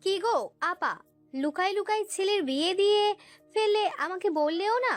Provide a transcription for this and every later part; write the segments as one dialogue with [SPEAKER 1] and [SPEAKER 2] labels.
[SPEAKER 1] কি গো আপা, লুকাই লুকাই ছেলের বিয়ে দিয়ে ফেললে, আমাকে বললেও না।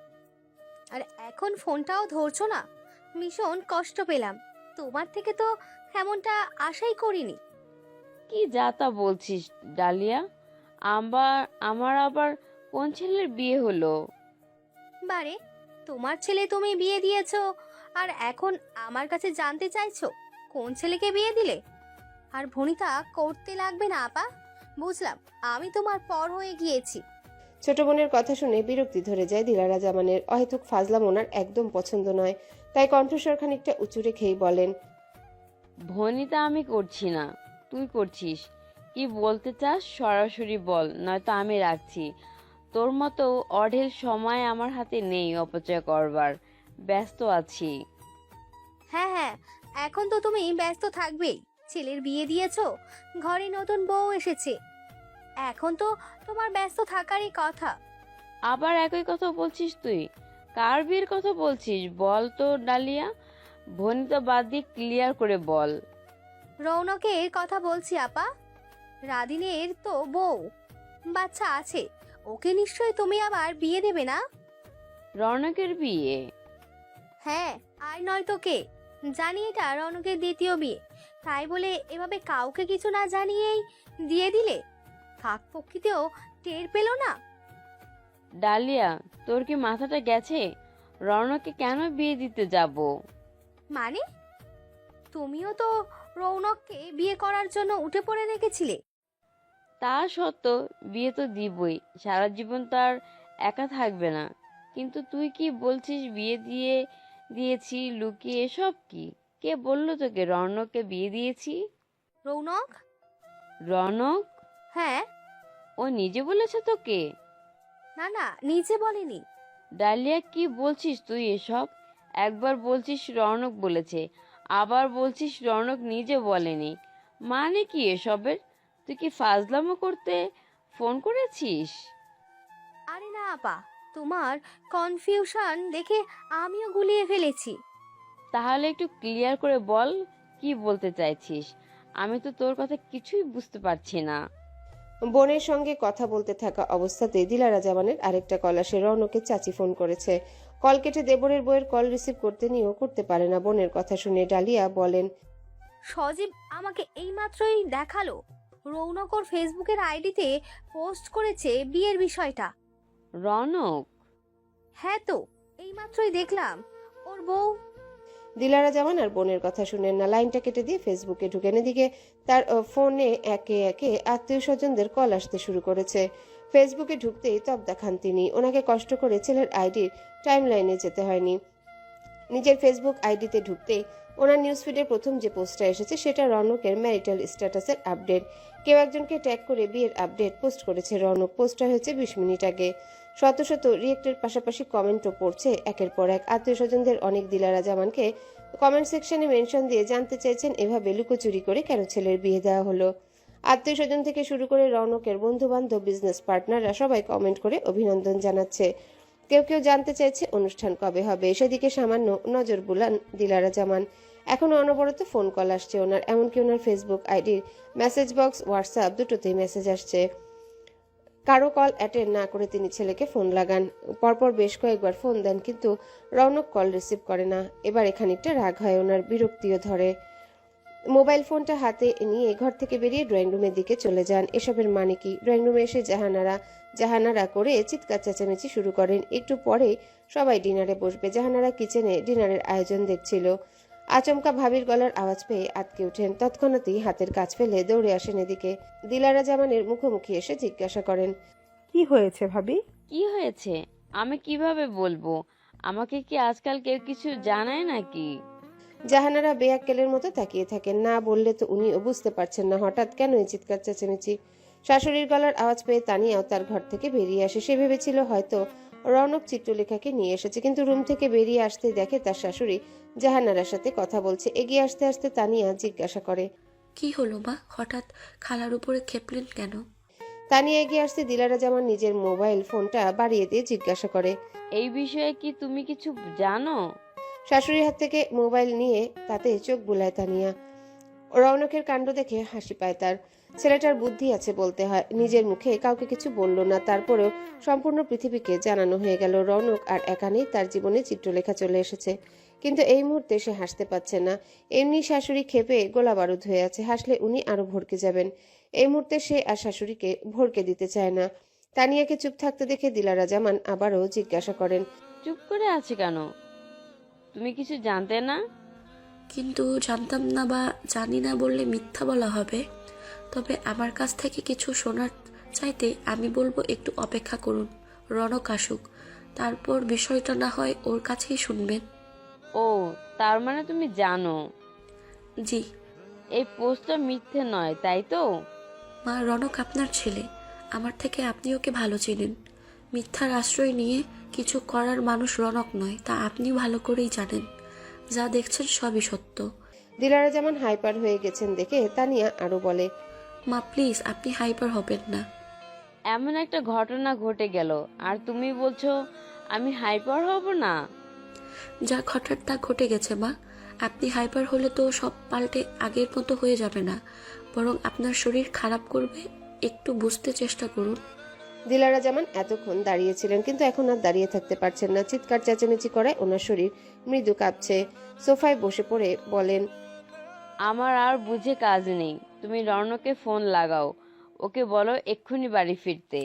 [SPEAKER 1] আর এখন ফোনটাও ধরছো না, ভীষণ কষ্ট পেলাম। তোমার থেকে তো এমনটা আশাই করিনি।
[SPEAKER 2] কি যা তা বলছিস ডালিয়া? আবার আমার আবার কোন ছেলের বিয়ে হলো?
[SPEAKER 1] বারে, তোমার ছেলে তুমি বিয়ে দিয়েছো, আর এখন আমার কাছে জানতে চাইছো কোন ছেলেকে বিয়ে দিলে। আর ভনিতা করতে লাগবে না আপা, বুঝলাম আমি তোমার পর হয়ে গিয়েছি।
[SPEAKER 3] ছোট বোনের কথা শুনে বিরক্তি ধরে যায় দিলারা জামানের। অহেতুক ফাজলাম ওনার একদম পছন্দ নয়, তাই কণ্ঠস্বর খানিকটা উঁচু রেখেই বলেন,
[SPEAKER 2] ভনিতা আমি করছি না, তুই করছিস। কি বলতে চাস সরাসরি বল, নয়তো আমি রাখছি। তোর মতো অঢেল সময় আমার হাতে নেই অপচয় করবার, ব্যস্ত আছি।
[SPEAKER 1] হ্যাঁ হ্যাঁ, এখন তো তুমি ব্যস্ত থাকবেই। ছেলের বিয়ে দিয়েছো, ঘরে নতুন বউ এসেছে, এখন তো তোমার ব্যস্ত থাকারই কথা।
[SPEAKER 2] আবার একই কথা বলছিস তুই? কার বিয়ের কথা বলছিস বল তো ডালিয়া? ভনিতা বাদ দিয়ে ক্লিয়ার করে বল।
[SPEAKER 1] রৌনকের কথা বলছি আপা, রাদিনের তো বউ, বাচ্চা আছে, ওকে নিশ্চয়ই তুমি আবার বিয়ে দেবে না?
[SPEAKER 2] রৌনকের বিয়ে?
[SPEAKER 1] হ্যাঁ, আর নয় তো কে, জানি এটা রৌনকের দ্বিতীয় বিয়ে, তাই বলে এভাবে কাউকে কিছু না জানিয়েই দিয়ে দিলে, কাক পক্ষীতেও টের পেল না।
[SPEAKER 2] ডালিয়া, তোর কি মাথাটা গেছে? রৌনককে কেন বিয়ে দিতে যাব?
[SPEAKER 1] মানে, তুমিও তো রৌনককে বিয়ে করার জন্য উঠে পড়ে রেখেছিলে।
[SPEAKER 2] তা সত্ত্বেও বিয়ে তো দিবই, সারা জীবন তার একা থাকবে না। কিন্তু তুই কি বলছিস বিয়ে দিয়েছি লুকিয়ে? এসব কি? কে বললো তোকে রৌনককে বিয়ে দিয়েছি?
[SPEAKER 1] রৌনক?
[SPEAKER 2] রৌনক?
[SPEAKER 1] হ্যাঁ।
[SPEAKER 2] ও নিজে বলেছে তোকে?
[SPEAKER 1] না না, নিজে বলেনি।
[SPEAKER 2] ডালিয়া, কি বলছিস তুই এসব? একবার বলছিস রৌনক বলেছে, আবার বলছিস রৌনক নিজে বলেনি। মানে কি এসবের? তুই কি ফাজলামো করতে ফোন করেছিস?
[SPEAKER 1] আরে না আপা, তোমার কনফিউশন দেখে আমিও গুলিয়ে ফেলেছি।
[SPEAKER 2] তাহলে একটু ক্লিয়ার করে বল, কি বলতে চাইছিস? আমি তো তোর কথা কিছুই বুঝতে পারছি না।
[SPEAKER 3] বোনের সঙ্গে কথা বলতে থাকা অবস্থাতেই দিলারা জামানের আরেকটা কল আসে। রৌনকের চাচি ফোন করেছে। কল কেটে দেবরের বইয়ের কল রিসিভ করতে নিয়েও করতে পারে না। বোনের কথা শুনে ডালিয়া বলেন,
[SPEAKER 1] সজীব আমাকে এইমাত্রই দেখালো, রৌনক ওর ফেসবুকের আইডিতে পোস্ট করেছে বিয়ের বিষয়টা।
[SPEAKER 2] রৌনক?
[SPEAKER 1] হ্যাঁ তো, এইমাত্রই দেখলাম। ওর বউ।
[SPEAKER 3] দিলারা জামান আর বোনের কথা শুনেন না, লাইনটা কেটে দিয়ে ফেসবুকে ঢুকেন। এদিকে তার ফোনে একে একে আত্মীয় স্বজনদের কল আসতে শুরু করেছে। ফেসবুকে ঢুকতেই তব দেখান তিনি। ওনাকে কষ্ট করে ছেলের আইডির টাইম লাইনে যেতে হয়নি। নিজের ফেসবুক আইডিতে ঢুকতেই ওনার নিউজ ফিডের প্রথম যে পোস্টটা এসেছে সেটা রৌনকের ম্যারিটাল স্ট্যাটাসের আপডেট। কেউ একজনকে ট্যাগ করে বিয়ের আপডেট পোস্ট করেছে রৌনক। পোস্টটা হয়েছে 20 মিনিট আগে। শত শত রিয়েক্টের পাশাপাশি কমেন্টও পড়ছে একের পর এক। আত্মীয় স্বজনদের অনেক দিলারা জামানকে কমেন্ট সেকশনে মেনশন দিয়ে জানতে চাইছেন এভাবে লুকোচুরি করে কেন ছেলের বিয়ে দেওয়া হলো। আত্মীয় স্বজন থেকে শুরু করে রৌনকের বন্ধু বান্ধব, বিজনেস পার্টনাররা সবাই কমেন্ট করে অভিনন্দন জানাচ্ছে। কেউ কেউ জানতে চাইছে অনুষ্ঠান কবে হবে। সেদিকে সামান্য নজর বুলান দিলারা জামান। এখনো অনবরত ফোন কল আসছে ওনার, এমনকি ওনার ফেসবুক আইডির মেসেজ বক্স, হোয়াটসঅ্যাপ দুটোতেই মেসেজ আসছে। কারো কল অ্যাটেন্ড না করে তিনি ছেলেকে ফোন লাগান। পরপর বেশ কয়েকবার ফোন দেন, কিন্তু রৌনক কল রিসিভ করে না। এবার খানিকটা রাগ হয় ওনার, বিরক্তিও ধরে। মোবাইল ফোনটা হাতে নিয়ে ঘর থেকে বেরিয়ে ড্রয়িং রুমের দিকে চলে যান। এসবের মানে কি? ড্রয়িং রুমে এসে জাহানারা করে চিৎকার চেঁচামেচি শুরু করেন। একটু পরে সবাই ডিনারে বসবে। জাহানারা কিচেনে ডিনারের আয়োজন দেখছিল। আচমকা ভাবির গলার আওয়াজ পেয়ে আটকে ওঠেন। তৎক্ষণাৎই হাতের কাজ ফেলে দৌড়ে আসেন এদিকে। দিলারা জামানের মুখোমুখি এসে জিজ্ঞাসা করেন,
[SPEAKER 4] কি হয়েছে ভাবি?
[SPEAKER 2] কি হয়েছে আমি কিভাবে বলবো? আমাকে কি আজকাল কেউ কিছু জানায় নাকি?
[SPEAKER 3] জাহানারা বেয়াক্কেলের মতো তাকিয়ে থাকেন। না বললে তো উনিও বুঝতে পারছেন না হঠাৎ কেন এই চিৎকার চেঁচামেচি। শাশুড়ির গলার আওয়াজ পেয়ে তানিয়াও তার ঘর থেকে বেরিয়ে আসে। সে ভেবেছিল হয়তো রৌনক চিত্রলেখাকে নিয়ে এসেছে, কিন্তু রুম থেকে বেরিয়ে আসতে দেখে তার শাশুড়ি জাহানারার সাথে কথা বলছে। এগিয়ে আসতে আসতে তানিয়া জিজ্ঞাসা করে,
[SPEAKER 5] কি হলো মা, হঠাৎ খালার উপরে খেপলেন কেন?
[SPEAKER 3] তানিয়া এগিয়ে আসতে দিলারা জামান নিজের মোবাইল ফোনটা বাড়িয়ে দিয়ে জিজ্ঞাসা করে,
[SPEAKER 2] এই বিষয়ে কি তুমি কিছু জানো?
[SPEAKER 3] শাশুড়ির হাত থেকে মোবাইল নিয়ে তাতে চোখ বুলায় তানিয়া। রৌনকের কাণ্ড দেখে হাসি পায় তার। ছেলেটার বুদ্ধি আছে বলতে হয়, নিজের মুখে কাউকে কিছু বলল না, তারপরেও সম্পূর্ণ পৃথিবীকে জানানো হয়ে গেল রৌনক আর একা নেই, তার জীবনে চিত্রলেখা চলে এসেছে। কিন্তু এই মুহূর্তে সে হাসতে পারছে না। এমনি শাশুড়ি ক্ষেপে গোলা বারুদ হয়ে আছে, হাসলে উনি আরো ভড়কে যাবেন। এই মুহূর্তে সে আর শাশুড়িকে ভড়কে দিতে চায় না। তানিয়াকে চুপ থাকতে দেখে দিলারা জামান আবারও জিজ্ঞাসা করেন,
[SPEAKER 2] চুপ করে আছে কেন? তুমি কিছু জানতে না?
[SPEAKER 5] কিন্তু জানতাম না বা জানি না বললে মিথ্যা বলা হবে। তবে আমার কাছ থেকে কিছু শোনার চাইতে আমি বলবো একটু অপেক্ষা করুন, রনক আসুক, তারপর বিষয়টা না হয় ওর কাছেই শুনবেন।
[SPEAKER 2] ও, তার মানে তুমি জানো
[SPEAKER 5] জি
[SPEAKER 2] এই পোস্টটা মিথ্যে নয়, তাই তো?
[SPEAKER 5] মা, রনক আপনার ছেলে, আমার থেকে আপনি ওকে ভালো চেনেন। মিথ্যার আশ্রয় নিয়ে কিছু করার মানুষ রনক নয়, তা আপনি ভালো করেই জানেন। যা দেখছেন সবই সত্য।
[SPEAKER 3] দিলারা জামান হাইপার হয়ে গেছেন দেখে তানিয়া আরো বলে,
[SPEAKER 5] মা প্লিজ, আপনি হাইপার হবেন না।
[SPEAKER 2] এমন একটা ঘটনা ঘটে গেল আর তুমি বলছো আমি হাইপার হব না?
[SPEAKER 5] যা ঘটার তা ঘটে গেছে মা। আপনি হাইপার হলে তো সব পাল্টে আগের মতো হয়ে যাবে না, বরং আপনার শরীর খারাপ করবে। একটু বুঝতে চেষ্টা করুন।
[SPEAKER 3] দিলারা জামান এতক্ষণ দাঁড়িয়েছিলেন, কিন্তু এখন আর দাঁড়িয়ে থাকতে পারছেন না। চিৎকার চেঁচামেচি করায় ওনার শরীর মৃদু কাঁপছে। সোফায় বসে পড়ে বলেন,
[SPEAKER 2] আমার আর বুঝে কাজ নেই, তুমি রৌনককে ফোন লাগাও, ওকে বলো এক্ষুনি বাড়ি ফিরতে।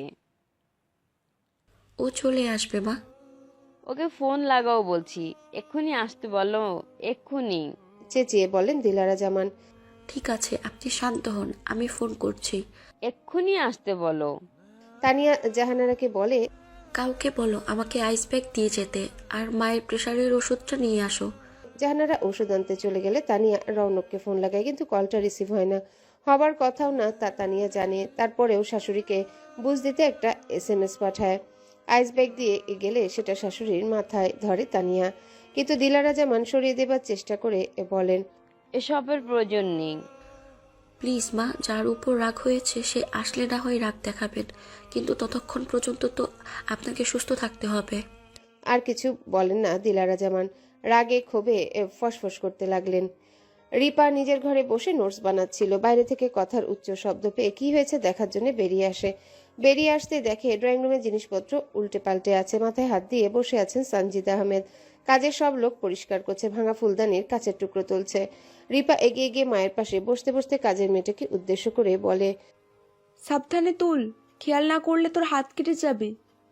[SPEAKER 5] ও চলে আসবে মা।
[SPEAKER 2] ওকে ফোন লাগাও বলছি, এক্ষুনি আসতে বলো, এক্ষুনি।
[SPEAKER 3] চেঁচিয়ে বলেন দিলারা জামান।
[SPEAKER 5] ঠিক আছে, আপনি শান্ত হন, আমি ফোন করছি।
[SPEAKER 2] এক্ষুনি আসতে বলো।
[SPEAKER 3] তানিয়া জাহানারাকে বলে,
[SPEAKER 5] কাউকে বলো আমাকে আইস ব্যাগ দিয়ে যেতে, আর মায়ের প্রেশারের ওষুধটা নিয়ে আসো।
[SPEAKER 3] জাহানারা ওষুধ আনতে চলে গেলে তানিয়া রৌনককে ফোন লাগায়, কিন্তু কলটা রিসিভ হয় না। হবার কথাও না তা তানিয়া জানে, তারপরেও শাশুড়িকে বুঝ দিতে একটা SMS পাঠায়। আইস ব্যাগ দিয়ে গেলে সেটা শাশুড়ির মাথায় ধরে তানিয়া, কিন্তু দিলারা জামান সরিয়ে দেবার চেষ্টা করে বলেন,
[SPEAKER 2] এসবের প্রয়োজন নেই।
[SPEAKER 5] প্লিজ মা, যার উপর রাগ হয়েছে সে আসলে না হয় রাগ দেখাবেন, কিন্তু ততক্ষণ পর্যন্ত তো আপনাকে সুস্থ থাকতে হবে।
[SPEAKER 3] আর কিছু বলেন না দিলারা জামান, রাগে ক্ষোভে ফসফস করতে লাগলেন। রিপা নিজের ঘরে বসে নোটস বানাচ্ছিল। বাইরে থেকে কথার উচ্চ শব্দ পেয়ে কি হয়েছে দেখার জন্য বেরিয়ে আসে। বেরিয়ে আসতে দেখে ড্রয়িং রুমের জিনিসপত্র উল্টে পাল্টে আছে। মাথায় হাত দিয়ে বসে আছেন সানজিদ আহমেদ। কাজের সব লোক পরিষ্কার করছে, ভাঙা ফুলদানির কাচের টুকরো তুলছে। রিপা এগিয়ে গিয়ে মায়ের পাশে বসতে বসতে কাজের মেয়েটাকে উদ্দেশ্য করে বলে,
[SPEAKER 4] সাবধানে তুল, খেয়াল না করলে তোর হাত কেটে যাবে।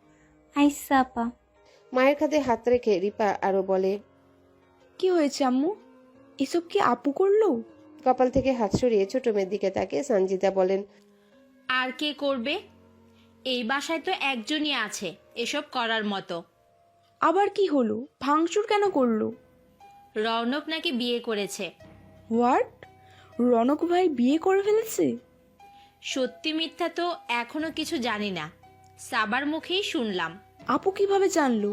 [SPEAKER 1] আইসা আপা।
[SPEAKER 3] মায়ের কাঁধে হাত রেখে রিপা আরো বলে,
[SPEAKER 4] কি হয়েছে আম্মু? এসব কি আপু করলো?
[SPEAKER 3] কপাল থেকে হাত সরিয়ে ছোট মেয়ের দিকে তাকিয়ে সঞ্জিতা বলেন,
[SPEAKER 6] আর কে করবে? এই বাসায় তো একজনই আছে এসব করার মতো।
[SPEAKER 4] আবার কি হলো? ভাঙচুর কেন করলো?
[SPEAKER 6] রৌনক নাকি বিয়ে করেছে।
[SPEAKER 4] হোয়াট? রনক ভাই বিয়ে করে ফেলেছে?
[SPEAKER 6] সত্যি মিথ্যা তো এখনো কিছু জানি না, সাবার মুখেই শুনলাম।
[SPEAKER 4] আপু কিভাবে জানলো?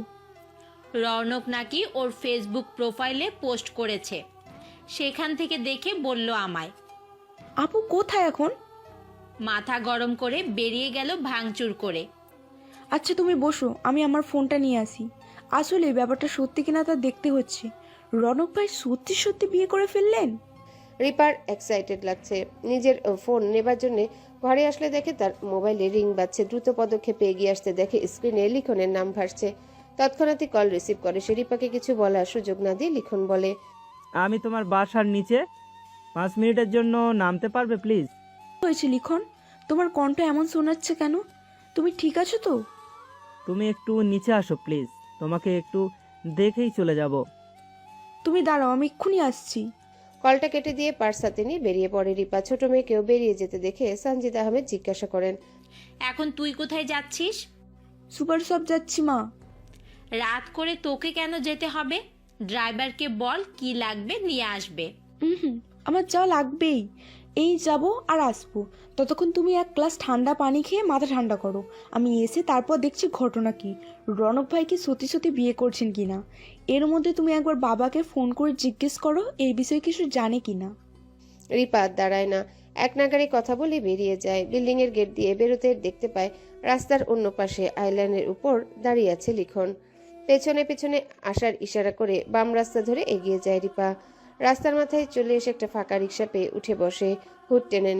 [SPEAKER 6] রৌনক নাকি ওর ফেসবুক প্রোফাইলে পোস্ট করেছে, সেখান থেকে দেখে বলল আমায়।
[SPEAKER 4] আপু কোথায় এখন?
[SPEAKER 6] মাথা গরম করে বেরিয়ে গেল ভাঙচুর করে।
[SPEAKER 4] আচ্ছা তুমি বসো, আমি আমার ফোনটা নিয়ে আসি। আসলে ব্যাপারটা সত্যি কিনা তা দেখতে হচ্ছে। রনক ভাই সত্যি সত্যি বিয়ে করে ফেললেন?
[SPEAKER 3] রিপার এক্সাইটেড লাগছে। নিজের ফোন নেবার জন্য ঘরে আসলে দেখে তার মোবাইলে রিং বাজছে। দ্রুত পদক্ষেপে এগিয়ে আসতে দেখে স্ক্রিনে লিখনের নাম ভাসছে। তৎক্ষণাৎই কল রিসিভ করে সে। রিপাকে কিছু বলার সুযোগ না দিয়ে লিখন বলে,
[SPEAKER 7] আমি তোমার বাসার নিচে 5 মিনিটের জন্য নামতে পারবে প্লিজ?
[SPEAKER 4] হয়েছে লিখন, তোমার কণ্ঠ এমন শোনাচ্ছে কেন? তুমি ঠিক আছো তো?
[SPEAKER 7] তুমি একটু নিচে আসো প্লিজ, তোমাকে একটু দেখেই চলে যাব।
[SPEAKER 4] তুমি দাঁড়াও, আমি এক্ষুনি আসছি।
[SPEAKER 3] কলটা কেটে দিয়ে পার্স হাতে নিয়ে বেরিয়ে পড়ে রিপা। ছোট মেয়েকেও বেরিয়ে যেতে দেখে সঞ্জিদ আহমেদ জিজ্ঞাসা করেন,
[SPEAKER 6] এখন তুই কোথায় যাচ্ছিস?
[SPEAKER 4] সুপার শপ যাচ্ছি মা।
[SPEAKER 6] রাত করে তোকে কেন যেতে হবে? ড্রাইভারকে বল কি লাগবে নিয়ে আসবে।
[SPEAKER 4] হুম, আমার যাওয়া লাগবেই। এই যাব আর আসবো। ততক্ষণ তুমি এক গ্লাস ঠান্ডা পানি খেয়ে মাথা ঠান্ডা করো। আমি এসে তারপর দেখছি ঘটনা কি, রনক ভাই কি সত্যি সত্যি বিয়ে করছেন কিনা। এর মধ্যে তুমি একবার বাবাকে ফোন করে জিজ্ঞেস করো এই বিষয়ে কিছু জানে কিনা।
[SPEAKER 3] রিপা দাঁড়ায় না, এক নাগারে কথা বলে বেরিয়ে যায়। বিল্ডিং এর গেট দিয়ে বেরোতে দেখতে পায় রাস্তার অন্য পাশে আইল্যান্ডের উপর দাঁড়িয়ে আছে লিখন। পেছনে পেছনে আসার ইশারা করে বাম রাস্তা ধরে এগিয়ে যায় রিপা। রাস্তার মাথায় চলে এসে একটা ফাঁকা রিক্সা পেয়ে উঠে বসে, হুড টেনে নেয়।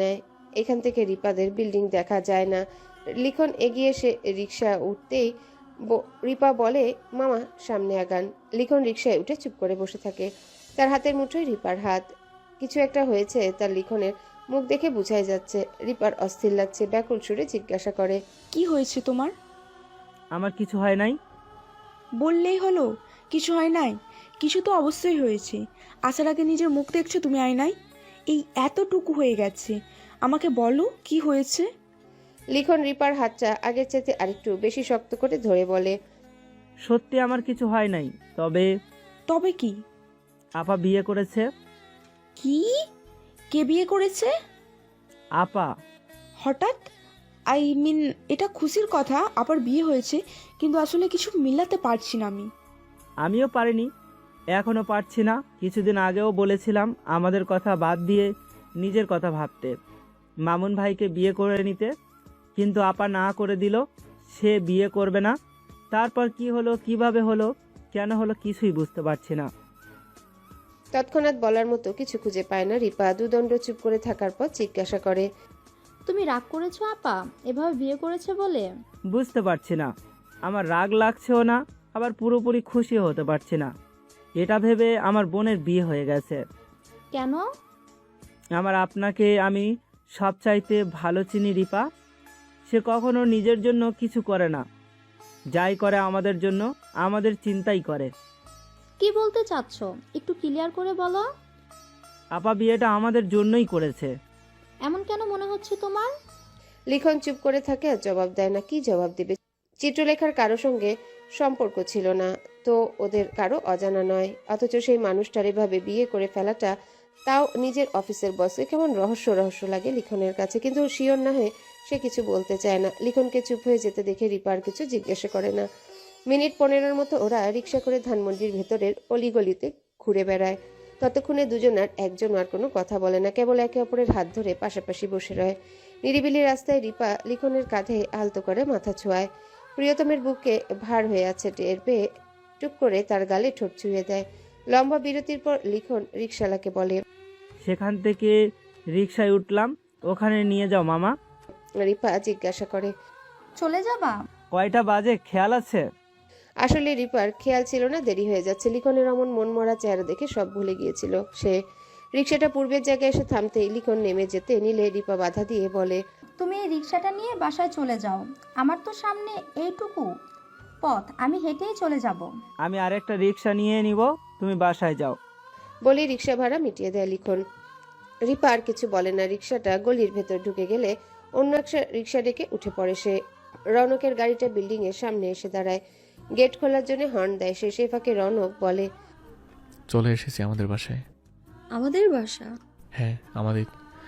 [SPEAKER 3] এখান থেকে রিপাদের বিল্ডিং দেখা যায় না। লিখন এগিয়ে এসে রিক্সা উঠতেই রিপা বলে, মামা সামনে আগান। লিখন রিক্সায় উঠে চুপ করে বসে থাকে। তার হাতের মুঠোয় রিপার হাত। কিছু একটা হয়েছে তার। লিখনের মুখ দেখে বোঝাই যাচ্ছে। রিপার অস্থির লাগছে, ব্যাকুল সুরে জিজ্ঞাসা করে,
[SPEAKER 4] কি হয়েছে তোমার?
[SPEAKER 7] আমার কিছু হয় নাই।
[SPEAKER 4] বললেই হলো কিছু হয় নাই। কিছু তো অবশ্যই হয়েছে। আসার আগে নিজের মুখ দেখছো তুমি আয়নায়? এই এতটুকু হয়ে গেছে, আমাকে বলো কি হয়েছে?
[SPEAKER 3] লিখন রিপার হাতটা আগের চাইতে আরেকটু বেশি শক্ত করে ধরে বলে,
[SPEAKER 7] সত্যি আমার কিছু হয় নাই, তবে
[SPEAKER 4] তবে কি?
[SPEAKER 7] আপা বিয়ে করেছে।
[SPEAKER 4] কি? কে বিয়ে করেছে?
[SPEAKER 7] আপা।
[SPEAKER 4] হঠাৎ? আই মিন, এটা খুশির কথা আবার বিয়ে হয়েছে, কিন্তু আসলে কিছু মিলাতে পারছি না আমি।
[SPEAKER 7] আমিও পারিনি, এখনও পারছি না। কিছুদিন আগেও বলেছিলাম আমাদের কথা বাদ দিয়ে নিজের কথা ভাবতে, মামুন ভাইকে বিয়ে করে নিতে, কিন্তু আপা না করে দিল। সে বিয়ে করবে না। তারপর কি হলো, কিভাবে হলো, কেন হলো, কিছুই বুঝতে পারছি না।
[SPEAKER 3] তৎক্ষণাৎ বলার মতো কিছু খুঁজে পায় না রিপা। দুদণ্ড চুপ করে থাকার পর জিজ্ঞাসা করে,
[SPEAKER 1] তুমি রাগ করেছো আপা এভাবে বিয়ে করেছে বলে?
[SPEAKER 7] বুঝতে পারছি না, আমার রাগ লাগছেও না, আবার পুরোপুরি খুশিও হতে পারছি না। এটা ভেবে আমার বোনের বিয়ে হয়ে গেছে।
[SPEAKER 1] কেন?
[SPEAKER 7] আপনাকে আমি সবচাইতে ভালো চিনি রিপা। সে কখনো নিজের জন্য কিছু করে না, যাই করে আমাদের জন্য, আমাদের চিন্তাই করে।
[SPEAKER 1] কি বলতে চাচ্ছ একটু ক্লিয়ার করে বলো।
[SPEAKER 7] আপা বিয়েটা আমাদের জন্যই করেছে।
[SPEAKER 1] এমন কেন মনে হচ্ছে তোমার?
[SPEAKER 3] লিখন চুপ করে থাকে আর জবাব দেয় না। কি জবাব দিবে? চিত্রলেখার কারো সঙ্গে সম্পর্ক ছিল না, তো ওদের কারো অজানা নয়। অথচ সেই মানুষটার এভাবে বিয়ে করে ফেলাটা, তাও নিজের অফিসের বসে, কেমন রহস্য রহস্য লাগে লিখনের কাছে। কিন্তু শিওর না হয়ে সে কিছু বলতে চায় না। লিখনকে চুপ হয়ে যেতে দেখে রিপার কিছু জিজ্ঞাসা করে না। মিনিট 15 মতো ওরা রিক্সা করে ধানমন্ডির ভেতরের অলিগলিতে ঘুরে বেড়ায়। ততক্ষণে দুজনার একজন আর কোনো কথা বলে না, কেবল একে অপরের হাত ধরে পাশাপাশি বসে রয়। নিরিবিলি রাস্তায় রিপা লিখনের কাঁধে আলতো করে মাথা ছোঁয়ায়। প্রিয়তমের বুকে ভার হয়ে আছে টের পেয়ে টুক করে তার গালে ঠোঁট ছুঁয়ে দেয়। লম্বা বিরতির পর লিখন রিকশালাকে বলে,
[SPEAKER 7] সেখান থেকে রিকশায় উঠলাম, ওখানে নিয়ে যাও মামা।
[SPEAKER 3] রিপা জিজ্ঞাসা করে,
[SPEAKER 1] চলে যাবা?
[SPEAKER 7] কয়টা বাজে খেয়াল আছে?
[SPEAKER 3] আসলে রিপার খেয়াল ছিল না, দেরি হয়ে যাচ্ছে। লিখনের অমন মনমরা চেহারা দেখে সব ভুলে গিয়েছিল সে। রিক্সাটা পূর্বের জায়গায় এসে থামতেই লিখন নেমে যেতে নিলে রিপা বাধা দিয়ে বলে,
[SPEAKER 1] তুমি এই রিক্সাটা নিয়ে বাসায় চলে যাও, আমার তো সামনে এইটুকু পথ, আমি হেঁটেই চলে যাব।
[SPEAKER 7] আমি আরেকটা রিকশা নিয়ে নিব, তুমি বাসায় যাও।
[SPEAKER 3] বলে রিক্সা ভাড়া মিটিয়ে দেয় লিখন। রিপা আর কিছু বলে না। রিক্সাটা গলির ভেতর ঢুকে গেলে অন্য একটা রিক্সা ডেকে উঠে পড়ে সে। রৌনকের গাড়িটা বিল্ডিং এর সামনে এসে দাঁড়ায়। গেট খোলার জন্য হর্ন দেয় সে। সেই ফাঁকে রৌনক বলে,
[SPEAKER 8] চলে এসেছি আমাদের বাসায়।
[SPEAKER 5] আমাদের বাসা?
[SPEAKER 8] হ্যাঁ, আমাদের।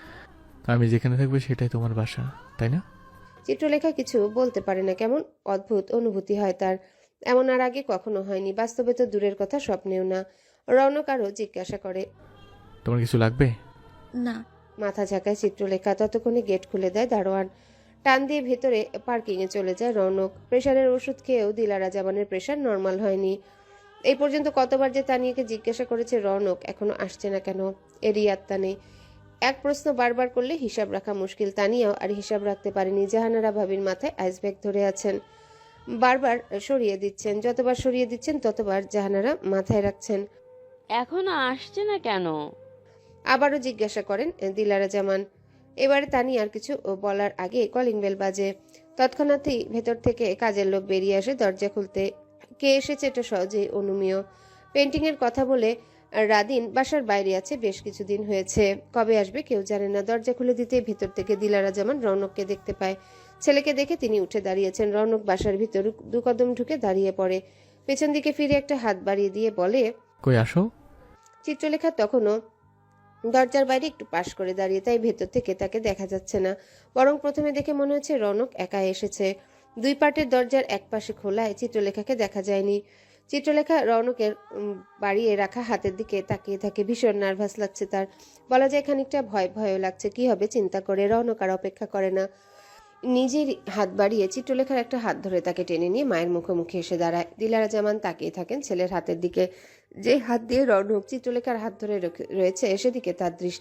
[SPEAKER 8] আমি যেখানে থাকবে সেটাই তোমার বাসা, তাই না?
[SPEAKER 3] চিত্রলেখা কিছু বলতে পারে না। কেমন অদ্ভুত অনুভূতি হয় তার। এমন আর আগে কখনো হয়নি। বাস্তবে তো দূরের কথা, স্বপ্নেও না। রৌনক আরও জিজ্ঞাসা করে,
[SPEAKER 8] তোমার কিছু লাগবে?
[SPEAKER 5] না।
[SPEAKER 3] মাথা ঝাঁকায় চিত্রলেখা। ততক্ষণে গেট খুলে দেয় দারোয়ান। টান দিয়ে ভেতরে পার্কিংয়ে চলে যায় রৌনক। প্রেশারের ওষুধ খেয়েও দিলারা জামানের প্রেশার নর্মাল হয়নি। এই পর্যন্ত কতবার যে তানিয়াকে জিজ্ঞাসা করেছে রৌনক এখনো আসছে না কেন, এরই আত্মা নেই। এক প্রশ্ন বারবার করলে হিসাব রাখা মুশকিল। তানিয়াও আর হিসাব রাখতে পারেনি। জাহানারা ভাবির মাথায় আইসব্যাগ ধরে আছেন, বারবার সরিয়ে দিচ্ছেন। যতবার সরিয়ে দিচ্ছেন ততবার জাহানারা মাথায় রাখছেন।
[SPEAKER 2] এখনো আসছে না কেন?
[SPEAKER 3] আবারও জিজ্ঞাসা করেন দিলারা জামান। এবারে তানি আর কিছু বলার আগে কলিং বেল বাজে। তৎক্ষণাৎই ভেতর থেকে কাজের লোক বেরিয়ে আসে দরজা খুলতে। কে এসেছে এটা সহজেই অনুমেয়। পেন্টিং এর কথা বলে রাদিন বাসার বাইরে আছে, বেশ কিছুদিন হয়েছে। কবে আসবে কেউ জানে না। দরজা খুলে দিতে ভেতর থেকে দিলারা জামান রৌনককে দেখতে পায়। ছেলেকে দেখে তিনি উঠে দাঁড়িয়েছেন। রৌনক বাসার ভিতর 2 কদম ঢুকে দাঁড়িয়ে পড়ে। পেছন দিকে ফিরে একটা হাত বাড়িয়ে দিয়ে বলে,
[SPEAKER 8] কই আসো।
[SPEAKER 3] চিত্রলেখা তখনও দরজার বাইরে একটু পাশ করে দাঁড়িয়ে, তাই ভেতর থেকে তাকে দেখা যাচ্ছে না। বরং প্রথমে দেখে মনে হচ্ছে রৌনক একা এসেছে। 2 পাটের দরজার এক পাশে খোলায় চিত্রলেখাকে দেখা যায়নি। চিত্রলেখা রৌনকের বাড়িয়ে রাখা হাতের দিকে তাকিয়ে থাকে। ভীষণ নার্ভাস লাগছে তার। বলা যায় খানিকটা ভয়ও লাগছে। কি হবে চিন্তা করে রৌনক আর অপেক্ষা করে না। নিজের হাত বাড়িয়ে চিত্রলেখার একটা হাত ধরে তাকে টেনে নিয়ে মায়ের মুখোমুখি এসে দাঁড়ায়। দিলারা জামান তাকিয়ে থাকেন ছেলের হাতের দিকে। যে হাত দিয়ে রৌনক চিত্রলেখার হাত ধরে রয়েছে সেদিকে তার দৃষ্টি।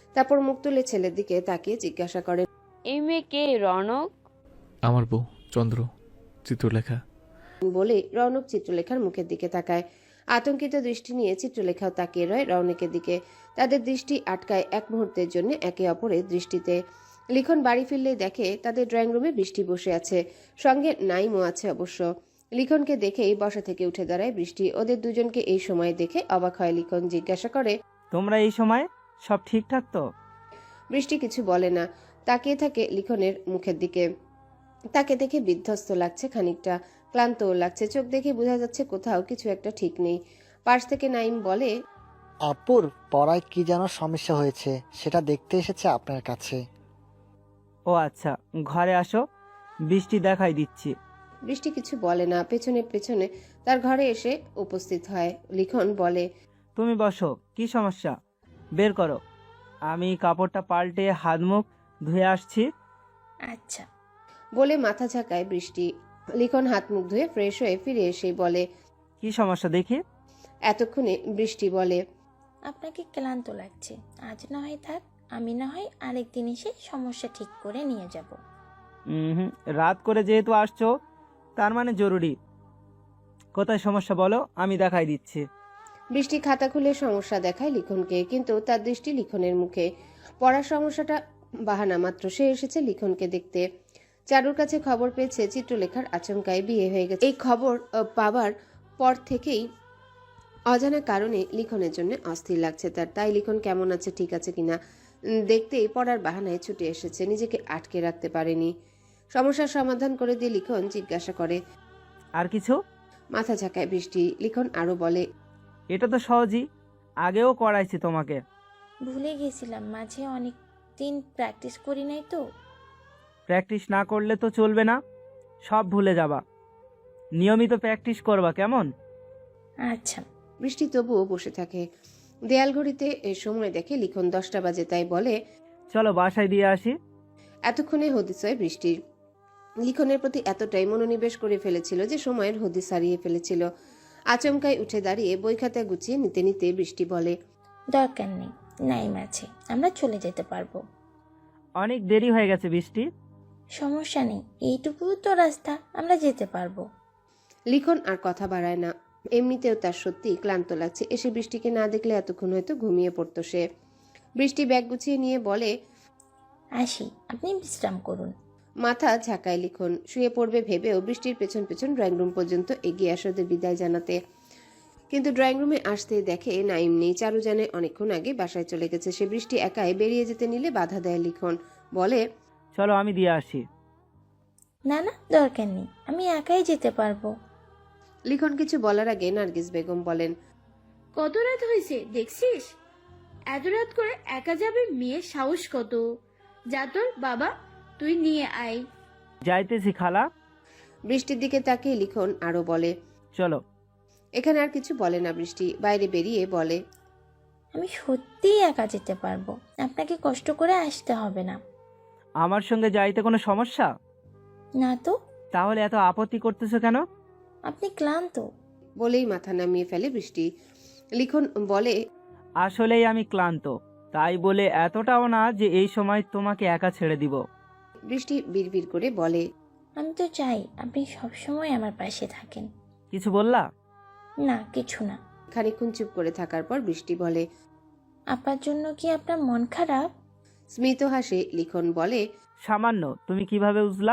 [SPEAKER 3] তারপর মুখ তুলে ছেলের দিকে তাকিয়ে জিজ্ঞাসা করে,
[SPEAKER 2] এই মেয়ে কে রনক?
[SPEAKER 8] আমার বউ চন্দ্র, চিত্রলেখা।
[SPEAKER 3] বলে রৌনক চিত্রলেখার মুখের দিকে তাকায়। আতঙ্কিত দৃষ্টি নিয়ে চিত্রলেখাও তাকিয়ে রয় রৌনকের দিকে। তাদের দৃষ্টি আটকায় এক মুহূর্তের জন্য একে অপরের দৃষ্টিতে। লিখন বাড়ি ফিরলেই দেখে তাদের ড্রয়িং রুমে বৃষ্টি বসে আছে, সঙ্গে নাইমও আছে অবশ্য। লিখনকে দেখেই বসা থেকে উঠে দাঁড়ায় বৃষ্টি। ওদের দুজনকে এই সময় দেখে অবাক হয় লিখন। জিজ্ঞাসা করে,
[SPEAKER 7] তোমরা এই সময় সব ঠিকঠাক তো?
[SPEAKER 3] বৃষ্টি কিছু বলে না, তাকিয়ে থাকে লিখনের মুখের দিকে। তাকে দেখে বিধ্বস্ত লাগছে, খানিকটা ক্লান্তও লাগছে। চোখ দেখে বোঝা যাচ্ছে কোথাও কিছু একটা ঠিক নেই। পাশ থেকে নাইম বলে,
[SPEAKER 9] আপুর পড়ায় কি যেন সমস্যা হয়েছে, সেটা দেখতে এসেছে আপনার কাছে।
[SPEAKER 7] ও আচ্ছা, ঘরে আসো, বৃষ্টি দেখাই দিচ্ছি।
[SPEAKER 3] বৃষ্টি কিছু বলে না, পেছনে পেছনে তার ঘরে এসে উপস্থিত হয়। লিখন বলে,
[SPEAKER 7] তুমি বসো, কি সমস্যা বের করো, আমি কাপড়টা পাল্টে হাত মুখ ধুয়ে আসছি।
[SPEAKER 5] আচ্ছা।
[SPEAKER 3] বলে মাথা ঝাঁকায় বৃষ্টি। লিখন হাত মুখ ধুয়ে ফ্রেশ হয়ে ফিরে এসে বলে,
[SPEAKER 7] কি সমস্যা দেখি।
[SPEAKER 3] এতক্ষণে বৃষ্টি বলে,
[SPEAKER 10] আপনাকে ক্লান্ত লাগছে, আজ না হয় থাক, আমি না হয় আরেকদিন এসে সমস্যা ঠিক করে নিয়ে যাব।
[SPEAKER 7] রাত করে যেহেতু আসছো তার মানে জরুরি। কোথায় সমস্যা বলো, আমি দেখাই দিচ্ছি।
[SPEAKER 3] বৃষ্টি খাতা খুলে সমস্যা দেখায় লিখনকে, কিন্তু তার দৃষ্টি লিখনের মুখে। পড়ার সমস্যাটা বাহানা মাত্র, সে এসেছে লিখনকে দেখতে। চারুর কাছে খবর পেয়েছে চিত্রলেখার আচমকায় বিয়ে হয়ে গেছে। এই খবর পাবার পর থেকেই অজানা কারণে লিখনের জন্য অস্থির লাগছে তার। তাই লিখন কেমন আছে, ঠিক আছে কিনা দেখতেই পড়ার বাহানায় ছুটে এসেছে, নিজেকে আটকে রাখতে পারেনি। সমস্যার সমাধান করে দিয়ে লিখন জিজ্ঞাসা করে,
[SPEAKER 7] আর কিছু?
[SPEAKER 3] মাথা ঝাঁকায় বৃষ্টি। লিখন আরো বলে,
[SPEAKER 7] এটা তো সহজই, আগেও করাইছি তোমাকে।
[SPEAKER 10] ভুলে গেছিলাম, মাঝে অনেক দিন প্র্যাকটিস করি নাই তো।
[SPEAKER 7] প্র্যাকটিস না করলে তো চলবে না, সব ভুলে যাবা। নিয়মিত প্র্যাকটিস করবা, কেমন?
[SPEAKER 10] আচ্ছা।
[SPEAKER 3] বৃষ্টি তবুও বসে থাকে। দেয়াল ঘড়িতে এ সময় দেখে লিখন 10টা বাজে, তাই বলে,
[SPEAKER 7] চলো বাসায় দিয়ে আসি।
[SPEAKER 3] এতক্ষণে হদিস হয় বৃষ্টির। লিখনের প্রতি এতটাই মনোনিবেশ করে ফেলেছিল যে সময়ের হদিস হারিয়ে ফেলেছিল। আচমকায় উঠে দাঁড়িয়ে বই খাতা গুছিয়ে নিতে নিতে বৃষ্টি বলে,
[SPEAKER 10] দরকার নেই, নাইম আছে, আমরা চলে যেতে পারবো।
[SPEAKER 7] অনেক দেরি হয়ে গেছে বৃষ্টি।
[SPEAKER 10] সমস্যা নেই, এইটুকু তো রাস্তা, আমরা যেতে পারবো।
[SPEAKER 3] লিখন আর কথা বাড়ায় না। এমনিতেও তার সত্যি ক্লান্ত লাগছে। এসে বৃষ্টিকে না দেখলে এতক্ষণ হয়তো ঘুমিয়ে পড়তো সে। বৃষ্টি ব্যাগ গুছিয়ে নিয়ে বলে,
[SPEAKER 10] আসি, আপনি বিশ্রাম করুন।
[SPEAKER 3] মাথা ঝাঁকায় লিখন। শুয়ে পড়বে ভেবেও বৃষ্টির পেছন পেছন ড্রয়িং রুম পর্যন্ত এগিয়ে আসে ওদের বিদায় জানাতে। কিন্তু ড্রয়িং রুমে আসতে দেখে নাইম নেই। চারু জানে অনেকক্ষণ আগে বাসায় চলে গেছে সে। বৃষ্টি একাই বেরিয়ে যেতে নিলে বাধা দেয় লিখন, বলে,
[SPEAKER 7] চলো আমি দিয়ে আসি।
[SPEAKER 10] না না, দরকার নেই, আমি একাই যেতে পারবো।
[SPEAKER 3] লিখন কিছু বলার আগে নার্গিস বেগম বলেন,
[SPEAKER 11] কত রাত হয়েছে দেখছিস? এত রাত করে একা যাবে, মেয়ের সাহস কত! যা তোর বাবা, তুই নিয়ে আয়।
[SPEAKER 7] যাইতেছি খালা।
[SPEAKER 3] বৃষ্টির দিকে তাকিয়ে লিখন আরো বলে,
[SPEAKER 7] চলো।
[SPEAKER 3] এখানে আর কিছু বলে না বৃষ্টি। বাইরে বেরিয়ে বলে,
[SPEAKER 10] আমি সত্যিই একা যেতে পারবো, আপনাকে কষ্ট করে আসতে হবে না।
[SPEAKER 7] আমার সঙ্গে যাইতে কোনো সমস্যা?
[SPEAKER 10] না তো।
[SPEAKER 7] তাহলে এত আপত্তি করতেছো কেন?
[SPEAKER 10] আপনি ক্লান্ত।
[SPEAKER 3] বলেই মাথা নামিয়ে ফেলে বৃষ্টি। লিখন বলে,
[SPEAKER 7] আসলেই আমি ক্লান্ত, তাই বলে এতটাও না যে এই সময় তোমাকে একা ছেড়ে দিব।
[SPEAKER 3] বৃষ্টি বিড়বিড় করে বলে,
[SPEAKER 10] আমি তো চাই আপনি সবসময় আমার পাশে থাকেন।
[SPEAKER 7] কিছু বললা?
[SPEAKER 10] না, কিছু না।
[SPEAKER 3] খানিকক্ষণ চুপ করে থাকার পর বৃষ্টি বলে,
[SPEAKER 10] আপার জন্য কি আপনার মন খারাপ?
[SPEAKER 3] স্মিত হাসে লিখন বলে,
[SPEAKER 7] সামান্য। তুমি কিভাবে বুঝলা?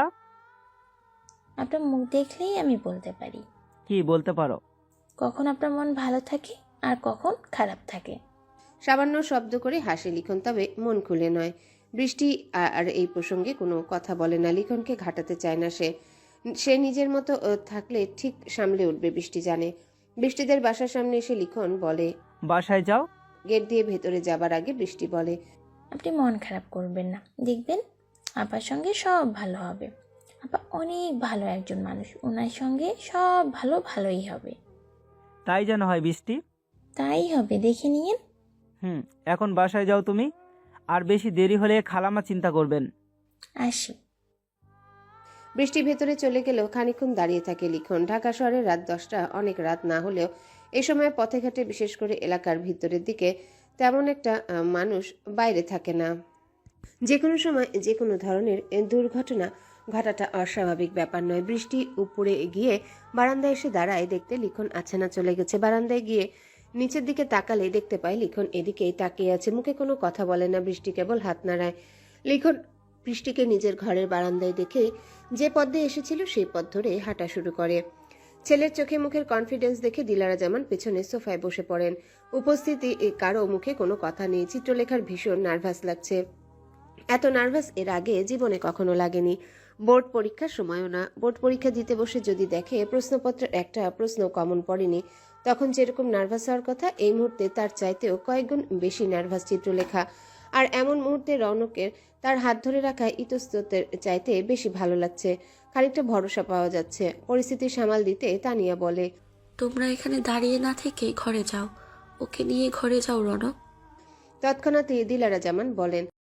[SPEAKER 10] আপনার মুখ দেখলেই আমি বলতে পারি।
[SPEAKER 7] কি বলতে পারো?
[SPEAKER 10] কখন আপনার মন ভালো থাকে আর কখন খারাপ থাকে।
[SPEAKER 3] সামান্য শব্দ করে হাসে লিখন, তবে মন খুলে নয়। বৃষ্টি আর এই প্রসঙ্গে কোনো কথা বলে না। লিখনকে ঘাটাতে চায় না সে নিজের মতো থাকলে ঠিক সামলে উঠবে বৃষ্টি জানে। বৃষ্টিদের বাসার সামনে এসে লিখন বলে,
[SPEAKER 7] বাসায় যাও।
[SPEAKER 3] গেট দিয়ে ভেতরে যাবার আগে বৃষ্টি বলে,
[SPEAKER 10] আপনি মন খারাপ করবেন না, দেখবেন আপার সঙ্গে সব ভালো হবে। আপা অনেক ভালো একজন মানুষ, ওনার সঙ্গে সব ভালো ভালোই হবে।
[SPEAKER 7] তাই যেন হয় বৃষ্টি।
[SPEAKER 10] তাই হবে, দেখে নিয়েন।
[SPEAKER 7] এখন বাসায় যাও তুমি, আর বেশি দেরি হলে খালামা চিন্তা করবেন।
[SPEAKER 10] আসি।
[SPEAKER 3] বৃষ্টি ভেতরে চলে গেলেও খানিকক্ষণ দাঁড়িয়ে থাকে লিখন। ঢাকা শহরের রাত 10টা অনেক রাত না হলেও এ সময় পথে ঘাটে, বিশেষ করে এলাকার ভিতরের দিকে তেমন একটা মানুষ বাইরে থাকে না। যে কোনো সময় যে কোনো ধরনের দুর্ঘটনা ঘটাটা অস্বাভাবিক ব্যাপার নয়। বৃষ্টি উপরে গিয়ে বারান্দায় এসে দাঁড়ায়, দেখতে লিখন আছে না চলে গেছে। বারান্দায় গিয়ে নিচের দিকে তাকালে দেখতে পায় লিখন এদিকেই তাকিয়ে আছে, মুখে কোনো কথা বলে না। বৃষ্টি কেবল হাত নাড়ায়। লিখন বৃষ্টিকে নিজের ঘরের বারান্দায় দেখে যে পথ দিয়ে এসেছিল সেই পথ ধরে হাঁটা শুরু করে। ছেলের চোখে মুখের কনফিডেন্স দেখে দিলারা জামান পেছনে সোফায় বসে পড়েন। উপস্থিতি কারো মুখে কোনো কথা নেই। চিত্রলেখার ভীষণ নার্ভাস লাগছে। এত নার্ভাস এর আগে জীবনে কখনো লাগেনি। বোর্ড পরীক্ষার সময়ও না। বোর্ড পরীক্ষা দিতে বসে যদি দেখে প্রশ্নপত্রের একটা প্রশ্ন কমন পড়েনি, তখন যেরকম নার্ভাস হওয়ার কথা, এই মুহূর্তে তার চাইতেও কয়েকগুণ বেশি নার্ভাস চিত্রলেখা। আর এমন মুহূর্তে রৌনকের তার হাত ধরে রাখা ইতস্ততের চাইতে বেশি ভালো লাগছে। খানিকটা ভরসা পাওয়া যাচ্ছে। পরিস্থিতি সামাল দিতে তানিয়া বলে,
[SPEAKER 5] তোমরা এখানে দাঁড়িয়ে না থেকে ঘরে যাও, ওকে নিয়ে ঘরে যাও রনক।
[SPEAKER 3] তৎক্ষণাৎ দিলারা জামান বলেন,